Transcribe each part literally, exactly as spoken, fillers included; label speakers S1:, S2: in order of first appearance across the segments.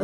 S1: अ,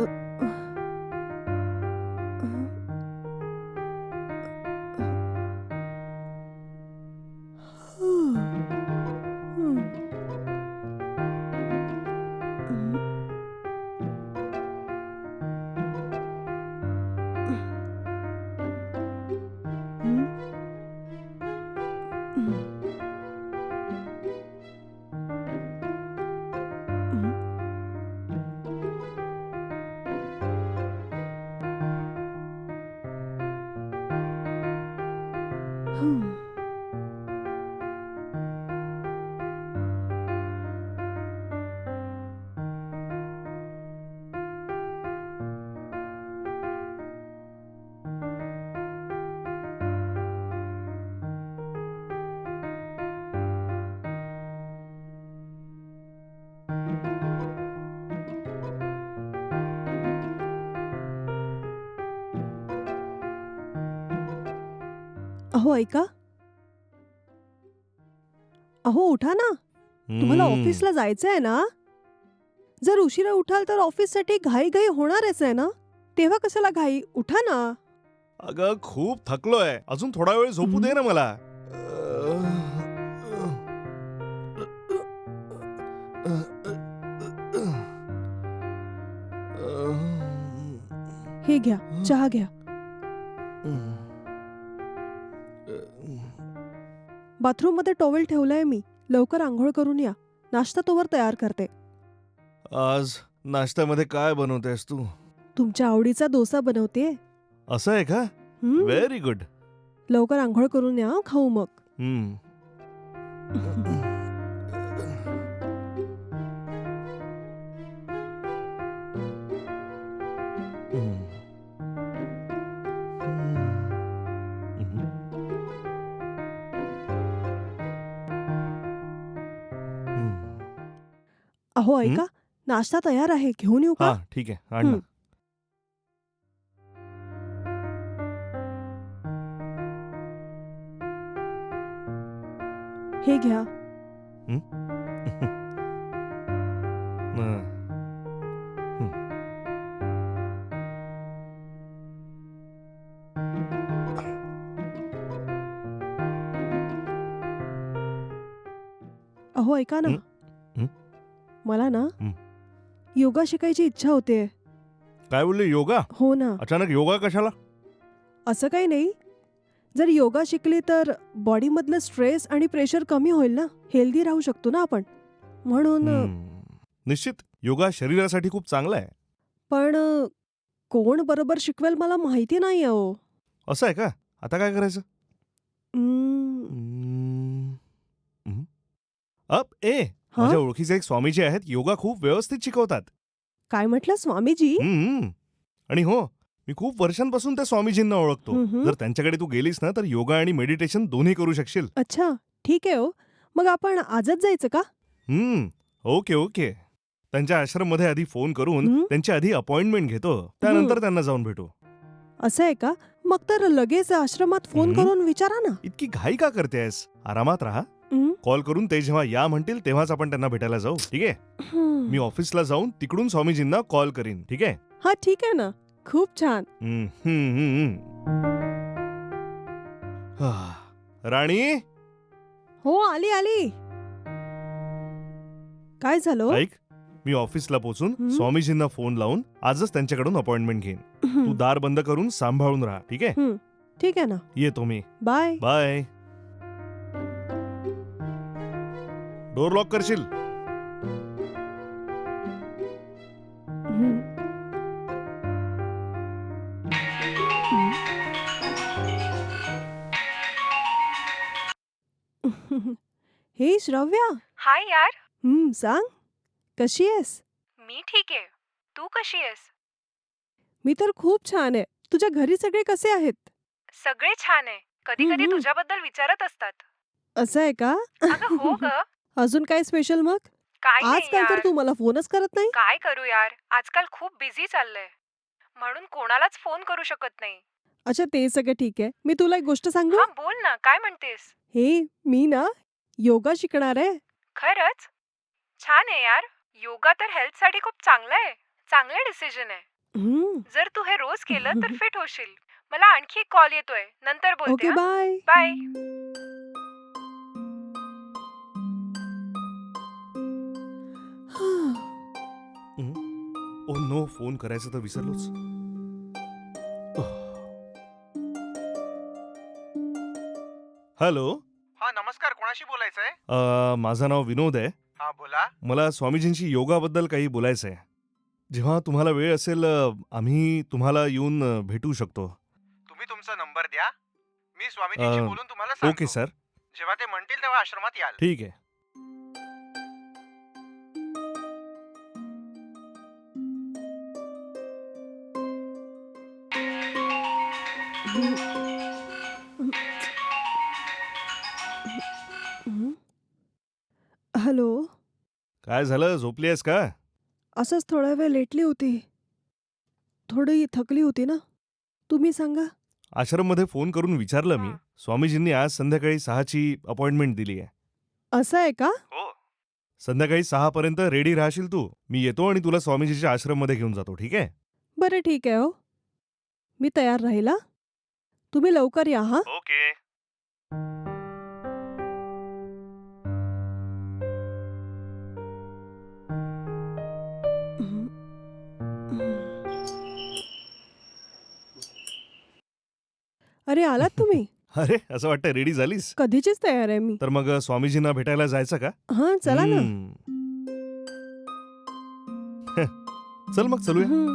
S1: अहो ऐका. अहो उठा ना. तुम्हाला
S2: हम्म.
S1: ऑफिसला जायचं आहे ना? जर उशिरा उठाल तर ऑफिससाठी घाई-घाई होणारच आहे ना? तेव्हा कशाला घाई? उठा ना.
S2: अगं खूप थकलोय. अजून थोडा वेळ झोपू दे
S1: हं.
S2: ना मला.
S1: हे घ्या, चहा घ्या. बाथरूममध्ये टॉवेल ठेवलाय मी. लवकर अंघोळ करून या. नाश्ता तोवर तयार करते.
S2: आज नाश्त्यामध्ये काय बनवतेस तू?
S1: तुमच्या आवडीचा डोसा बनवतेय.
S2: असं आहे का?
S1: हं.
S2: Very good.
S1: लवकर अंघोळ करून या, खाऊ मग.
S2: हम्म.
S1: अहो
S2: हं?
S1: ऐका, नाश्ता तयार आहे. घेऊन येऊ का?
S2: हा ठीक आहे, आण ना.
S1: हं. हे घ्या.
S2: हं? हं. हं.
S1: अहो ऐका ना.
S2: हं? हं?
S1: मला ना
S2: हं.
S1: योगा शिकायची इच्छा होतेय.
S2: काय बोलली, योगा?
S1: हो ना.
S2: अचानक योगा कशाला?
S1: असं काही नाही. जर योगा शिकली तर बॉडीमधलं स्ट्रेस आणि प्रेशर कमी होईल ना. हेल्दी राहू शकतो ना आपण. म्हणून अ,
S2: हम्म. निश्चित योगा शरीरासाठी खूप चांगला आहे.
S1: पण अ, कोण बरोबर शिकवेल मला माहिती नाही अहो.
S2: असं आहे का? आता काय करायचं?
S1: अं,
S2: हम्म. हं. अप ए
S1: हां?
S2: माझ्या ओळखीचे एक स्वामीजी आहेत. योगा खूप व्यवस्थित शिकवतात.
S1: काय म्हटलं स्वामीजी?
S2: हम्म. आणि हो, मी खूप वर्षांपासून त्या स्वामीजींना ओळखतो.
S1: हं, हं.
S2: जर त्यांच्याकडे तू गेलीस ना तर योगा आणि मेडिटेशन दोन्ही करू शकशील.
S1: अच्छा, ठीक आहे हो. मग आपण आजच जायचं का?
S2: हम्म. Okay okay. त्यांच्या आश्रममध्ये आधी फोन करून
S1: हं?
S2: त्यांची आधी अपॉइंटमेंट घेतो.
S1: हं.
S2: त्यानंतर त्यांना जाऊन भेटू.
S1: असं आहे का? मग तर लगेच आश्रमात फोन
S2: हं?
S1: करून विचारा ना.
S2: इतकी घाई का करतेस? आरामात राहा.
S1: हं?
S2: कॉल करून ते जेव्हा या म्हणतील तेव्हाच आपण त्यांना भेटायला जाऊ. ठीक आहे?
S1: हं.
S2: मी ऑफिसला जाऊन तिकडून स्वामीजींना कॉल करीन. ठीक आहे?
S1: हा ठीक आहे ना. खूप छान.
S2: हं, हं, हं, हं. राणी,
S1: हो आली आली. काय झालं हो?
S2: ऐक. मी ऑफिसला पोहोचून
S1: हं?
S2: स्वामीजींना फोन लावून आजच त्यांच्याकडून अपॉइंटमेंट घेईन. तू
S1: हं.
S2: दार बंद करून सांभाळून राहा. ठीक आहे?
S1: हं. ठीक आहे ना.
S2: येतो मी.
S1: बाय.
S2: बाय. डोर लॉक करशील?
S1: हं. हं. हे श्रव्या.
S3: हाय यार.
S1: हं, सांग. कशी आहेस?
S3: मी ठीक आहे. तू कशी आहेस?
S1: मी तर खूप छान आहे. तुझ्या घरी सगळे कसे आहेत?
S3: सगळे छान आहे. कधी
S1: हं,
S3: कधी
S1: हं.
S3: तुझ्याबद्दल विचारत असतात.
S1: असं आहे का?
S3: अगं हो ग.
S1: अजून काय स्पेशल मग?
S3: काय नाही
S1: आजकाल तर
S3: यार.
S1: तू मला फोनच करत नाही.
S3: काय करू यार. आजकाल खूप बिझी चाललंय. म्हणून कोणालाच फोन करू शकत नाही.
S1: अच्छा ते सगळं ठीक आहे. मी तुला एक गोष्ट सांगू?
S3: हा बोल ना. काय म्हणतेस?
S1: हे मी ना योगा शिकणार आहे.
S3: खरंच? छान आहे यार. योगा तर हेल्थसाठी खूप चांगलं आहे. चांगलं डिसिजन आहे.
S1: हम्म.
S3: जर तू हे रोज केलं तर फिट होशील. मला आणखी एक कॉल येतोय. नंतर बोलते.
S1: ओके,
S3: हा?
S1: Bye.
S3: Bye.
S2: Oh no, phone करायचं तर विसरलोच. हॅलो.
S4: हा नमस्कार, कोणाशी बोलायचंय?
S2: अ, माझं नाव विनोद आहे.
S4: हा बोला.
S2: मला स्वामीजींशी योगाबद्दल काही बोलायचं आहे. जेव्हा तुम्हाला वेळ असेल अ, आम्ही तुम्हाला येऊन अ, भेटू शकतो.
S4: तुम्ही तुमचा नंबर द्या, मी स्वामीजींशी
S2: अ,
S4: बोलून तुम्हाला सांगतो.
S2: Okay sir.
S4: जेव्हा ते म्हणतील तेव्हा आश्रमात याल.
S2: ठीक आहे.
S1: हं. हॅलो.
S2: काय झालं, झोपली आहेस का?
S1: असंच थोडा वेळ लेटली होती. थोडी थकली होती ना. तुम्ही सांगा.
S2: आश्रममध्ये फोन करून विचारलं मी.
S3: हं.
S2: स्वामीजींनी आज संध्याकाळी सहाची अपॉइंटमेंट दिली आहे.
S1: असं आहे का?
S2: हो. संध्याकाळी सहा पर्यंत रेडी राहशील तू. मी येतो आणि तुला स्वामीजीच्या आश्रममध्ये घेऊन जातो, ठीक आहे?
S1: बरं ठीक आहे हो. मी तयार राहील हा. तुम्ही लवकर या हा.
S2: ओके.
S1: अरे आलात तुम्ही?
S2: अरे, असं वाटतं रेडी झालीस?
S1: कधीचीच तयार आहे मी.
S2: तर मग अ, स्वामीजींना भेटायला जायचं का?
S1: हां, चला ना.
S2: हम्म. चल मग चलूया.
S1: हं.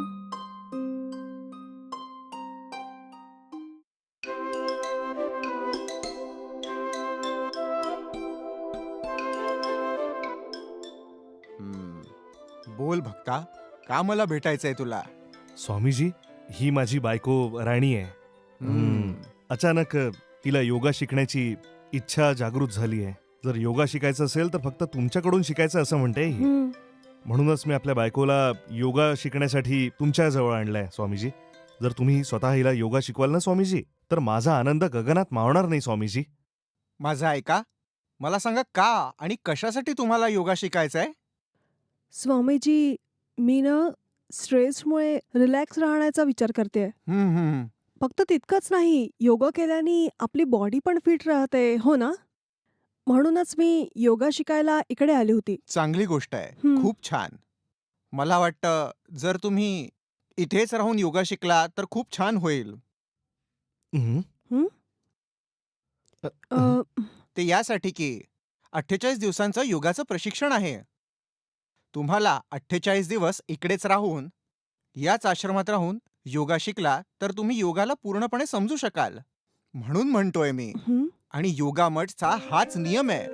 S4: हम्म. बोल भक्ता, का मला भेटायचंय तुला?
S2: स्वामीजी, ही माझी बायको राणी आहे. हम्म. अचानक अ, तिला योगा शिकण्याची इच्छा जागृत झाली आहे. जर योगा शिकायचं असेल तर फक्त तुमच्याकडून शिकायचं असं म्हणते ही.
S1: हं.
S2: म्हणूनच मी आपल्या बायकोला योगा शिकण्यासाठी तुमच्या जवळ आणलाय स्वामीजी. जर तुम्ही स्वतः हिला योगा शिकवाल ना स्वामीजी, तर माझा आनंद गगनात मावणार नाही स्वामीजी.
S4: माझं ऐका, मला सांगा का आणि कशासाठी तुम्हाला योगा शिकायचाय?
S1: स्वामीजी, मी ना स्ट्रेसमुळे रिलॅक्स राहण्याचा विचार करते.
S4: हम्म, हम्म.
S1: फक्त तितकंच नाही, योगा केल्याने आपली बॉडी पण फिट राहते, हो ना? म्हणूनच मी योगा शिकायला इकडे आली होती.
S4: चांगली गोष्ट आहे.
S1: हं.
S4: खूप छान. मला वाटतं जर तुम्ही इथेच राहून योगा शिकला तर खूप छान होईल.
S2: हं?
S1: हं?
S2: अ,
S1: अ,
S4: ते यासाठी की अठ्ठेचाळीस दिवसांचं योगाचं प्रशिक्षण आहे. तुम्हाला अठ्ठेचाळीस दिवस इकडेच राहून, याच आश्रमात राहून योगा शिकला तर तुम्ही योगाला पूर्णपणे समजू शकाल. म्हणून म्हणतोय मी.
S1: हं?
S4: आणि योगा मठचा हाच नियम आहे.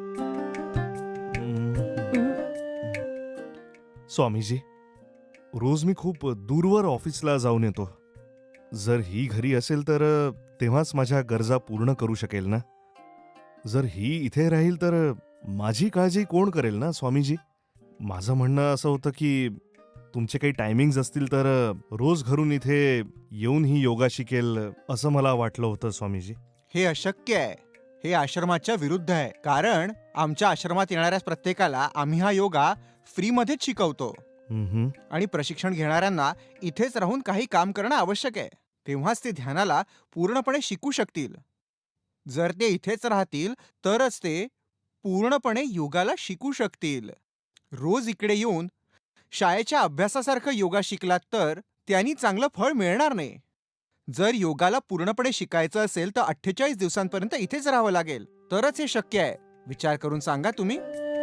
S2: हं.
S1: हं.
S2: स्वामीजी, रोज मी खूप दूरवर ऑफिसला जाऊन येतो. जर ही घरी असेल तर अ, तेव्हाच माझ्या गरजा पूर्ण करू शकेल ना. जर ही इथे राहील तर अ, माझी काळजी कोण करेल ना स्वामीजी. माझं म्हणणं असं होतं की तुमचे काही टायमिंग्ज असतील तर अ, रोज घरून इथे येऊन ही योगा शिकेल असं मला वाटलं होतं स्वामीजी.
S4: हे अशक्य आहे. हे आश्रमाच्या विरुद्ध आहे. कारण आमच्या आश्रमात येणाऱ्या प्रत्येकाला आम्ही हा योगा फ्रीमध्येच शिकवतो.
S2: हं, हं.
S4: आणि प्रशिक्षण घेणाऱ्यांना इथेच राहून काही काम करणं आवश्यक आहे. तेव्हाच ते ध्यानाला पूर्णपणे शिकू शकतील. जर ते इथेच राहतील तरच ते पूर्णपणे योगाला शिकू शकतील. रोज इकडे येऊन शाळेच्या अभ्यासासारखं योगा शिकलात तर त्यांनी चांगलं फळ मिळणार नाही. जर योगाला पूर्णपणे शिकायचं असेल तर अठ्ठेचाळीस दिवसांपर्यंत इथेच राहावं लागेल. तरच हे शक्य आहे. विचार करून सांगा तुम्ही.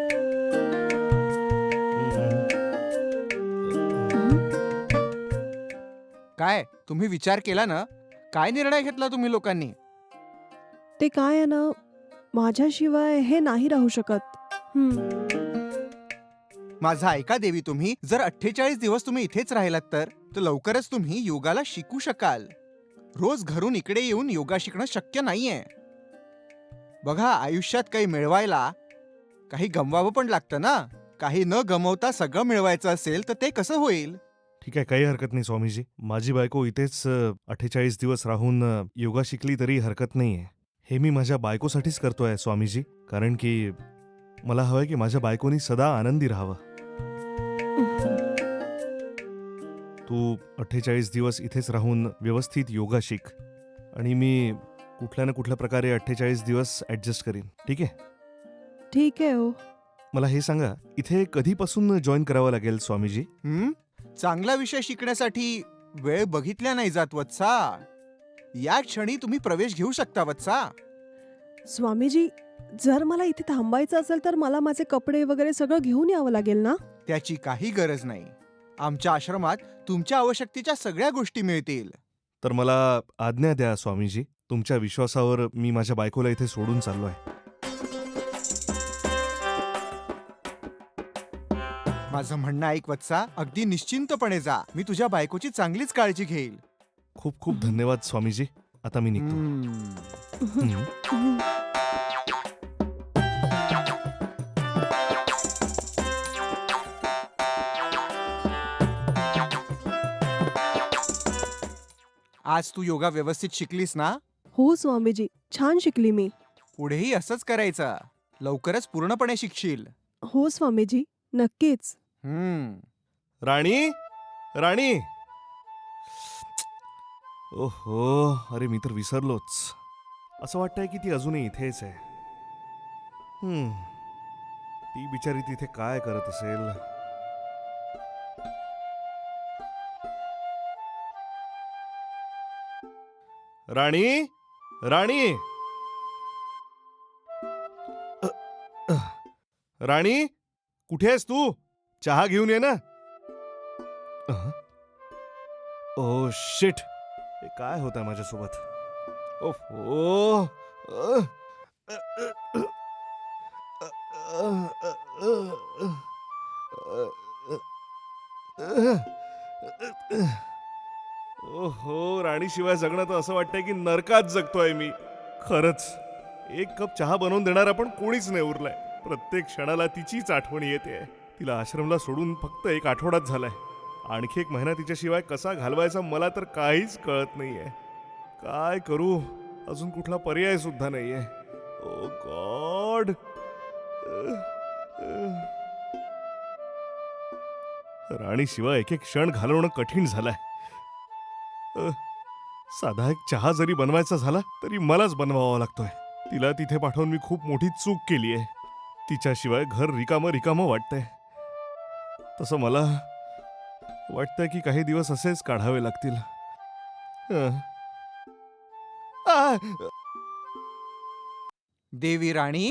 S4: काय तुम्ही विचार केला ना? काय निर्णय घेतला तुम्ही लोकांनी?
S1: ते काय आहे ना, माझ्याशिवाय हे नाही राहू शकत. हं.
S4: माझा ऐका देवी तुम्ही. जर अठ्ठेचाळीस दिवस तुम्ही इथेच राहिलात तर तर लवकरच तुम्ही योगाला शिकू शकाल. रोज घरून इकडे येऊन योगा शिकणं शक्य नाहीये. बघा, आयुष्यात काही मिळवायला काही गमवावं पण लागतं ना. काही न गमवता सगळं मिळवायचं असेल तर ते कसं होईल?
S2: ठीक आहे, काही हरकत नाही स्वामीजी. माझी बायको इथेच अठ्ठेचाळीस दिवस राहून अ, योगा शिकली तरी हरकत नाहीये. हे मी माझ्या बायकोसाठीच करतोय स्वामीजी. कारण की मला हवंय की माझ्या बायकोनी सदा आनंदी राहावं. तू अठ्ठेचाळीस दिवस इथेच राहून व्यवस्थित योगा शिक आणि मी कुठल्या ना कुठल्या प्रकारे अठ्ठेचाळीस दिवस ॲडजस्ट करीन, ठीक आहे?
S1: ठीक आहे हो.
S2: मला हे सांगा, इथे कधीपासून जॉईन करावं लागेल स्वामीजी?
S4: हं? चांगला विषय शिकण्यासाठी वेळ बघितल्या नाही जात वत्सा. या क्षणी तुम्ही प्रवेश घेऊ शकता वत्सा.
S1: स्वामीजी, जर मला इथे थांबायचं असेल तर मला माझे कपडे वगैरे सगळं घेऊन यावं लागेल ना?
S4: त्याची काही गरज नाही. आमच्या आश्रमात तुमच्या आवश्यकतेच्या सगळ्या गोष्टी मिळतील.
S2: तर मला आज्ञा द्या स्वामीजी. तुमच्या विश्वासावर मी माझ्या बायकोला इथे सोडून चाललो आहे.
S4: माझं म्हणणं ऐक वत्सा, अगदी निश्चिंतपणे जा. मी तुझ्या बायकोची चांगलीच काळजी घेईल.
S2: खूप खूप धन्यवाद स्वामीजी. आता मी निघतो.
S4: हं.
S2: हं.
S1: हं.
S4: आज तू योगा व्यवस्थित शिकलीस ना?
S1: हो स्वामीजी, छान शिकली मी.
S4: पुढेही असंच करायचं. लवकरच पूर्णपणे शिकशील.
S1: हो स्वामीजी, नक्कीच.
S4: हम्म.
S2: राणी, राणी. ओहो, अरे मी तर विसरलोच. असं वाटतंय की ती अजूनही इथेच आहे. हम्म, ती बिचारी तिथे काय करत असेल? राणी, राणी, अ, अ, राणी, कुठे आहेस तू? चहा घेऊन ये ना. अहं. ओ शिट, हे काय होत आहे माझ्यासोबत? ओहो. अ, अ, अ, अ, अ, अ, अ, अ, अ, अ. ओहो, राणीशिवाय जगणं तर असं वाटतंय की नरकात जगतोय मी. खरंच, एक कप चहा बनवून देणारा पण कोणीच नाही उरलाय. प्रत्येक क्षणाला तिचीच आठवण येते. तिला आश्रमला सोडून फक्त एक आठवडाच झालाय. आणखी एक महिना तिच्याशिवाय कसा घालवायचा मला तर काहीच कळत नाहीये. काय करू? अजून कुठला पर्याय सुद्धा नाहीये. ओ गॉड. राणीशिवाय एक एक क्षण घालवणं कठीण झालंय. अ, साधा एक चहा जरी बनवायचा झाला तरी मलाच बनवावा लागतोय. तिला तिथे पाठवून मी खूप मोठी चूक केली आहे. तिच्याशिवाय घर रिकामं रिकामं वाटतंय. तसं मला वाटतंय की काही दिवस असेच काढावे लागतील. अ. आ!
S4: देवी राणी,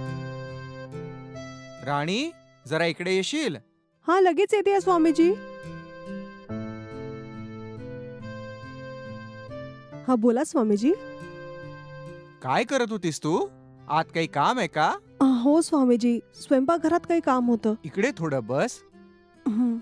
S4: राणी जरा इकडे येशील?
S1: हा, लगेच येते स्वामीजी. हा, बोला स्वामीजी.
S4: काय करत होतीस तू? आत काही काम आहे का?
S1: अ, हो स्वामीजी, स्वयंपाकघरात काही काम होतं.
S4: इकडे थोडं बस.
S1: हं.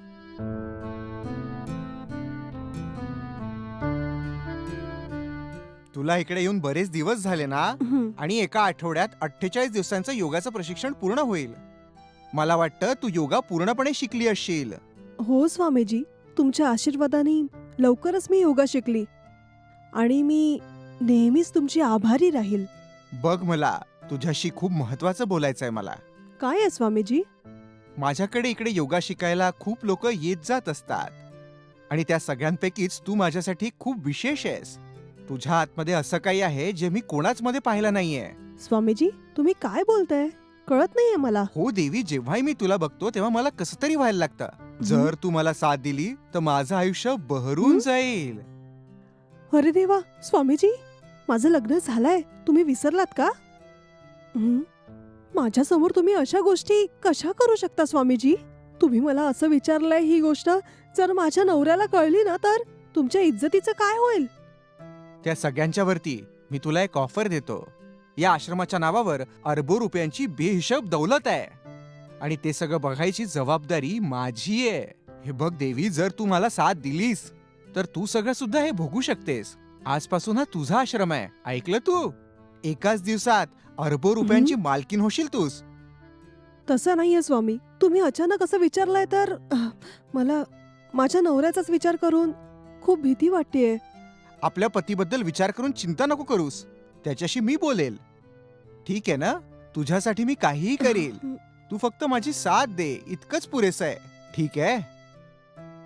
S4: तुला इकडे येऊन बरेच दिवस झाले ना?
S1: हं.
S4: आणि एका आठवड्यात अठ्ठेचाळीस दिवसांचं योगाचं प्रशिक्षण पूर्ण होईल. मला वाटतं तू योगा पूर्णपणे शिकली असशील.
S1: हो स्वामीजी, तुमच्या आशीर्वादाने लवकरच मी योगा शिकली आणि मी नेहमीच तुमची आभारी राहील.
S4: बघ, मला तुझ्याशी खूप महत्वाचं बोलायचंय मला.
S1: काय आहे स्वामीजी?
S4: माझ्याकडे इकडे योगा शिकायला खूप लोक येत जात असतात आणि त्या सगळ्यांपैकीच तू माझ्यासाठी खूप विशेष आहेस. तुझ्या आतमध्ये असं काही आहे जे मी कोणाच मध्ये पाहिलं नाहीये.
S1: स्वामीजी, तुम्ही काय बोलताय? कळत नाहीये मला.
S4: हो देवी, जेव्हाही मी तुला बघतो तेव्हा मला कसं तरी व्हायला लागतं. जर तू मला साथ दिली तर माझं आयुष्य बहरून
S1: हं?
S4: जाईल.
S1: अरे देवा, स्वामीजी, माझं लग्न झालंय. तुम्ही विसरलात का? हं? माझ्यासमोर तुम्ही अशा गोष्टी कशा करू शकता स्वामीजी? तुम्ही मला असं विचारलंय ही गोष्ट जर माझ्या नवऱ्याला कळली ना तर तुमच्या इज्जतीचं काय होईल?
S4: त्या सगळ्यांच्या वरती मी तुला एक ऑफर देतो. या आश्रमाच्या नावावर अरबो रुपयांची बेहिशोब दौलत आहे आणि ते सगळं बघायची जबाबदारी माझी आहे. हे बघ देवी, जर तू मला साथ दिलीस तर तू सगळं सुद्धा हे भोगू शकतेस. आजपासून हा तुझा आश्रम आहे. ऐकलं तू? एकाच दिवसात अरबो रुपयांची मालकीन होशील तूच.
S1: तसं नाहीये स्वामी. तुम्ही अचानक असं विचारलंय तर अह, मला माझ्या नवऱ्याचाच विचार करून खूप भीती वाटतेय.
S4: आपल्या पतीबद्दल विचार करून चिंता नको करूस. त्याच्याशी मी बोलेल. ठीक आहे ना? तुझ्यासाठी मी काहीही करेल. तू फक्त माझी साथ दे, इतकंच पुरेसं आहे. ठीक आहे?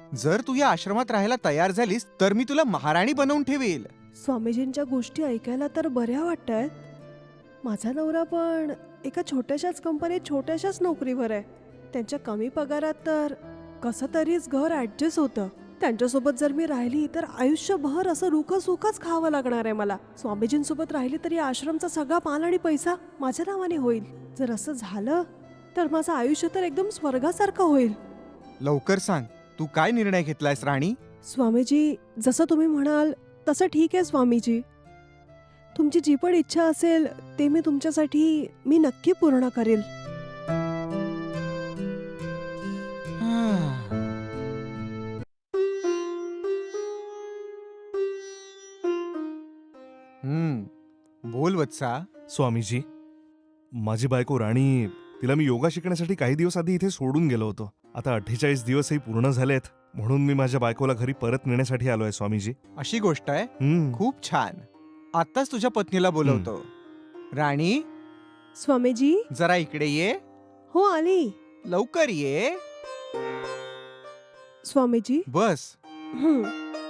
S4: जर तू या आश्रमात राहायला तयार झालीस तर मी तुला महाराणी बनवून ठेवील.
S1: स्वामीजींच्या गोष्टी ऐकायला तर बऱ्या वाटतायत. माझा नवरा पण एका छोट्याशाच कंपनीत छोट्याशाच नोकरीवर आहे. त्यांच्या कमी पगारात तर कसं तरीच घर ऍडजस्ट होतं. त्यांच्यासोबत जर मी राहिली तर आयुष्यभर असं रुखं सुखच खावं लागणार आहे मला. स्वामीजींसोबत राहिली तरी आश्रमचा सगळा माल आणि पैसा माझ्या नावाने होईल. जर असं झालं तर माझं आयुष्य तर एकदम स्वर्गासारखं होईल.
S4: लवकर सांग, तू काय निर्णय घेतलायस राणी?
S1: स्वामीजी, जसं तुम्ही म्हणाल तसं ठीक आहे स्वामीजी. तुमची जी पण इच्छा असेल ते मी तुमच्यासाठी मी नक्की पूर्ण करेल.
S4: हम्म बोल वत्सा.
S2: स्वामीजी, माझी बायको राणी, तिला मी योगा शिकण्यासाठी काही दिवस आधी इथे सोडून गेलो होतो. आता अठ्ठेचाळीस दिवसही पूर्ण झालेत, म्हणून मी माझ्या बायकोला घरी परत नेण्यासाठी आलोय स्वामीजी.
S4: अशी गोष्ट आहे?
S2: हम्म.
S4: खूप छान. आत्ताच तुझ्या पत्नीला बोलवतो. राणी,
S1: स्वामीजी.
S4: जरा इकडे ये.
S1: हो आली.
S4: लवकर ये.
S1: स्वामीजी.
S4: बस.
S1: हं.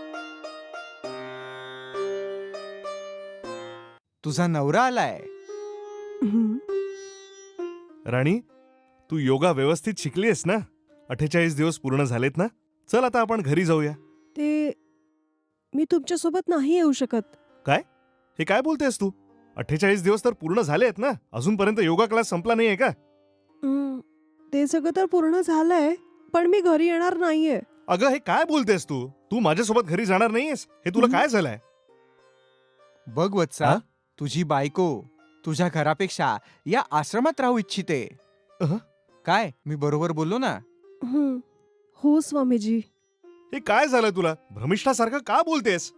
S4: तुझा नवरा आलाय.
S1: हं.
S2: राणी, तू योगा व्यवस्थित शिकलीयस ना? अठ्ठेचाळीस दिवस पूर्ण झालेत ना? चल आता आपण घरी जाऊया.
S1: ते मी तुमच्यासोबत नाही येऊ शकत.
S2: हे काय बोलतेस तू? अठ्ठेचाळीस दिवस तर पूर्ण झालेत ना? अजूनपर्यंत योगा क्लास संपला नाहीये का?
S1: हं. ते सगळं तर पूर्ण झालंय, पण मी घरी येणार नाहीये.
S2: अगं, हे काय बोलतेस तू? तू माझ्यासोबत घरी जाणार नाहीयेस? हे तुला
S1: हं.
S2: काय झालंय?
S4: बघ वत्सा,
S2: हा?
S4: तुझी बायको तुझ्या घरापेक्षा या आश्रमात राहू इच्छिते.
S2: अहं.
S4: काय मी बरोबर बोललो ना?
S1: हं. हो स्वामीजी.
S2: हे काय झालं तुला? भ्रमिष्ठासारखं का बोलतेस?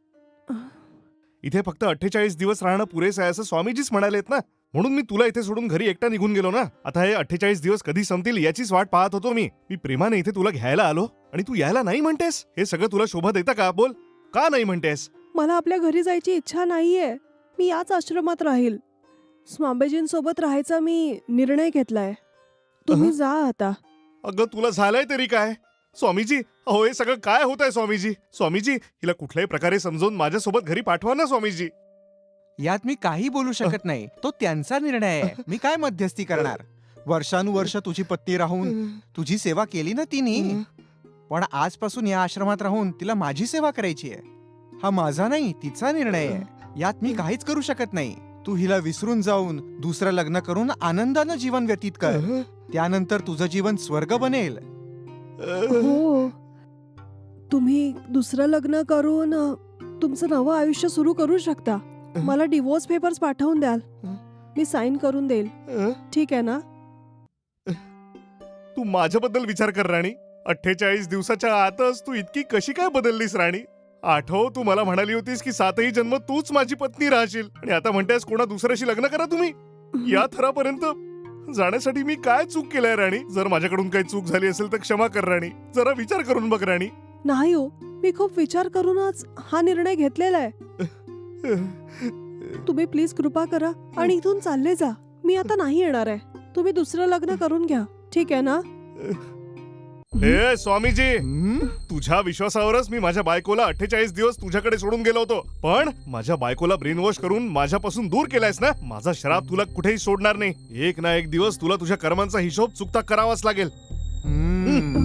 S2: इथे फक्त अठ्ठेचाळीस दिवस राहणं पुरेसं आहे असं स्वामीजीच म्हणालेत ना. म्हणून मी तुला इथे सोडून घरी एकटा निघून गेलो ना. आता हे अठ्ठेचाळीस दिवस कधी संपतील याचीच वाट पाहत होतो मी. मी प्रेमाने इथे तुला घ्यायला आलो आणि तू यायला नाही म्हणतेस? हे सगळं तुला शोभा देतं का? बोल, का नाही म्हणतेस?
S1: मला आपल्या घरी जायची इच्छा नाहीये. मी याच आश्रमात राहील. स्वामीजींसोबत राहायचा मी निर्णय घेतलाय. तुम्ही
S2: अहं.
S1: जा आता.
S2: अगं, तुला झालंय तरी काय? स्वामीजी, अहो हे सगळं काय होत आहे स्वामीजी? स्वामीजी, हिला कुठल्याही प्रकारे समजावून माझ्यासोबत घरी पाठवा ना स्वामीजी.
S4: यात मी काही बोलू शकत नाही. तो त्यांचा निर्णय आहे. मी काय मध्यस्थी करणार? वर्षानुवर्ष तुझी पत्नी राहून तुझी सेवा केली ना तिने. पण आजपासून या आश्रमात राहून तिला माझी सेवा करायची आहे. हा माझा नाही, तिचा निर्णय आहे. यात मी काहीच करू शकत नाही. तू हिला विसरून जाऊन दुसरं लग्न करून आनंदानं जीवन व्यतीत कर. त्यानंतर तुझं जीवन स्वर्ग बनेल.
S1: हो, तुम्ही दुसरं लग्न करून अ, तुमचं नवं आयुष्य सुरू करू शकता. मला डिवोर्स पेपर्स पाठवून द्याल. मी साईन करून देईल. ठीक आहे ना?
S2: तू माझ्याबद्दल विचार कर राणी. अठ्ठेचाळीस दिवसाच्या आतच तू इतकी कशी काय बदललीस राणी? आठव, तू मला म्हणाली होतीस की सातही जन्म तूच माझी पत्नी राहशील आणि आता म्हणतेस कोणा दुसऱ्याशी लग्न करा तुम्ही. या थरापर्यंत जाण्यासाठी मी काय चूक केलंय राणी? जर माझ्याकडून काही चूक झाली असेल तर क्षमा कर राणी. जरा विचार करून बघ राणी.
S1: नाही हो, मी खूप विचार करूनच हा निर्णय घेतलेला आहे. तुम्ही प्लीज कृपा करा आणि इथून चालले जा. मी आता नाही येणार आहे. तुम्ही दुसरं लग्न करून घ्या. ठीक आहे ना?
S2: हे स्वामीजी,
S4: हम्म?
S2: तुझ्या विश्वासावरच मी माझ्या बायकोला अठ्ठेचाळीस दिवस तुझ्याकडे सोडून गेलो होतो. पण माझ्या बायकोला ब्रेन वॉश करून माझ्यापासून दूर केलायस ना. माझा श्राप तुला कुठेही सोडणार नाही. एक ना एक दिवस तुला तुझ्या कर्मांचा हिशोब चुकता करावाच लागेल.
S4: हम्म.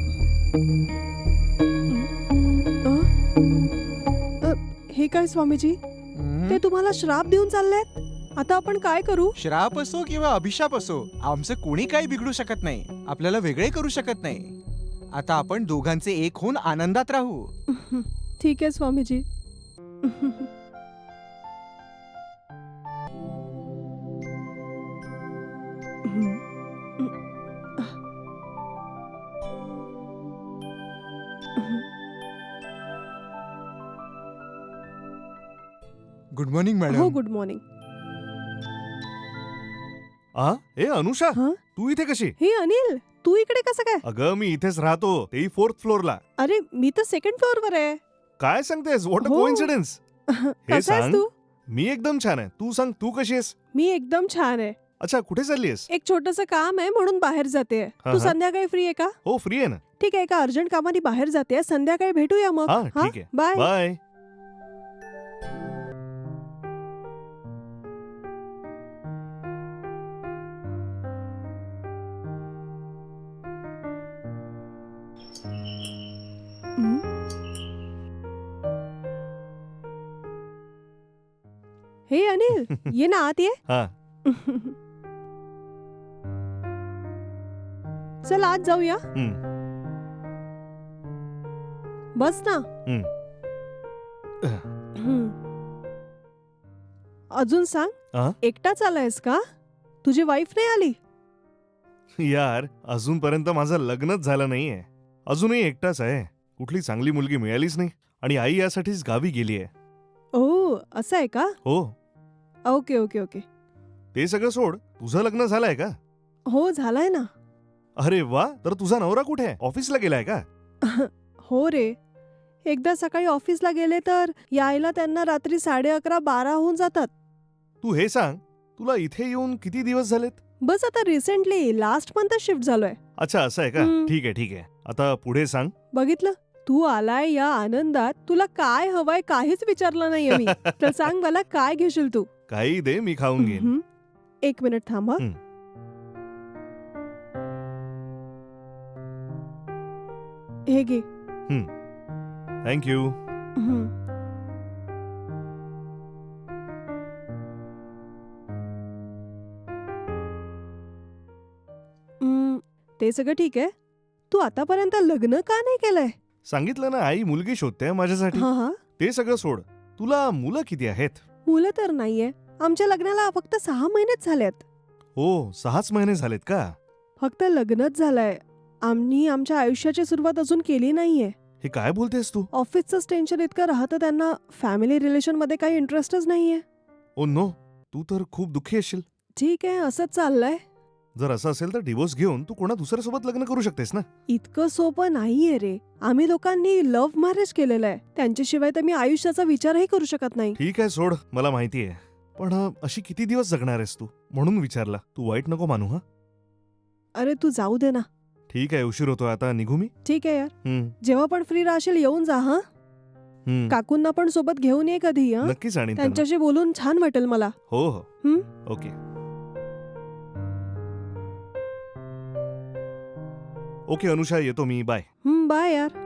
S1: अ, हे काय स्वामीजी?
S4: हम्म.
S1: ते तुम्हाला श्राप देऊन चाललेत? आता आपण काय करू?
S4: श्राप असो किंवा अभिशाप असो, आमचं कोणी काही बिघडू शकत नाही. आपल्याला वेगळे करू शकत नाही. आता आपण दोघांचे एक होऊन आनंदात राहू.
S1: ठीक आहे स्वामीजी.
S4: गुड मॉर्निंग
S1: हो,
S4: मॅडम.
S1: Good morning.
S2: आ ए अनुषा,
S1: हं?
S2: तू इथे कशी?
S1: हे अनिल, तू इकडे कसं काय?
S2: अगं, मी इथेच राहतो, तेही फोर्थ फ्लोअरला.
S1: अरे, मी तर सेकंड फ्लोअरवर आहे.
S2: काय सांगतेस? व्हॉट अ
S1: हो.
S2: कोइन्सिडन्स.
S1: कसा आहेस
S2: सांग.
S1: तू?
S2: मी एकदम छान आहे. तू सांग, तू कशी आहेस?
S1: मी एकदम छान आहे.
S2: अच्छा, कुठे चाललीयस?
S1: एक छोटंसं काम आहे म्हणून बाहेर जाते.
S2: हा,
S1: तू
S2: हा.
S1: संध्याकाळी फ्री आहे का?
S2: हो, फ्री आहे ना.
S1: ठीक आहे, एका अर्जंट कामाने बाहेर जाते. संध्याकाळी भेटूया मग.
S2: हा,
S1: हा?
S2: ठीक आहे.
S1: बाय.
S2: बाय.
S1: हं? हे अनिल, ये ना आत ये.
S2: हा.
S1: चल आत जाऊया.
S2: हं.
S1: बस ना.
S2: हं.
S1: हं. अजून सांग,
S2: आ?
S1: एकटाच आलायस का? तुझी वाईफ नाही आली?
S2: यार, अजूनपर्यंत माझं लग्नच झालं नाहीये. अजूनही एकटाच आहे. कुठली चांगली मुलगी मिळालीच नाही आणि आई यासाठीच गावी गेलीये.
S1: ओ, असं आहे का?
S2: हो.
S1: Okay okay okay.
S2: ते सगळं सोड. तुझं लग्न झालंय का?
S1: हो, झालाय ना.
S2: अरे वा, तर तुझा नवरा कुठे आहे? ऑफिसला गेलाय का?
S1: हो रे. एकदा सकाळी ऑफिसला गेले तर यायला त्यांना रात्री साडे अकरा बारा होऊन जातात.
S2: तू हे सांग, तुला इथे येऊन किती दिवस झालेत?
S1: बस आता रिसेंटली लास्ट मंथ शिफ्ट झालोय.
S2: अच्छा, असं आहे का?
S1: हं.
S2: ठीक आहे, ठीक आहे. आता पुढे सांग.
S1: बघितलं, तू आलाय या आनंदात तुला काय हवंय काहीच विचारलं नाहीये मी. तर सांग मला काय घेशील तू?
S2: काही दे, मी खाऊन घेईन.
S1: हं. एक मिनिट थांब हं.
S2: हं.
S1: हे घे.
S2: थँक्यू.
S1: हं. हं, ते सगळं ठीक आहे. तू आतापर्यंत लग्न का नाही केलंय?
S2: सांगितलं ना, आई मुलगी शोधते माझ्यासाठी.
S1: हा हा.
S2: ते सगळं सोड. तुला मुलं किती आहेत?
S1: मुलं तर नाहीये. आमच्या लग्नाला फक्त सहा महिनेच झालेत.
S2: हो, सहाच महिने झालेत का?
S1: फक्त लग्नच झालंय. आम्ही आमच्या आयुष्याची सुरुवात अजून केली नाहीये.
S2: हे काय बोलतेस तू?
S1: ऑफिसचंच टेन्शन इतकं राहतं त्यांना, फॅमिली रिलेशन मध्ये काही इंटरेस्टच नाहीये.
S2: ओ नो, तू तर खूप दुःखी असशील.
S1: ठीक आहे, असंच चाललंय.
S2: जर असं असेल तर डिवोर्स घेऊन तू कोणा दुसऱ्यासोबत लग्न करू शकतेस ना.
S1: इतकं सोपं नाहीये रे. आम्ही लोकांनी लव्ह मॅरेज केलेलं आहे. त्यांच्याशिवाय तर मी आयुष्याचा विचारही करू शकत नाही.
S2: ठीक आहे, सोड, मला माहिती आहे. पण अ, अशी किती दिवस जगणार आहेस तू? म्हणून विचारला. तू वाईट नको मानू. हा,
S1: अरे तू जाऊ दे ना.
S2: ठीक आहे, उशीर होतोय, आता निघू मी.
S1: ठीक आहे यार.
S2: हं,
S1: जेव्हा पण फ्री राहशील येऊन जा हा.
S2: हं.
S1: काकूंना पण सोबत घेऊन ये कधी हा.
S2: नक्कीच आणीन त्यांना.
S1: त्यांच्याशी बोलून छान वाटेल मला.
S2: हो हो.
S1: हं?
S2: ओके. ओके अनुषा, येतो मी. बाय.
S1: हं, बाय यार.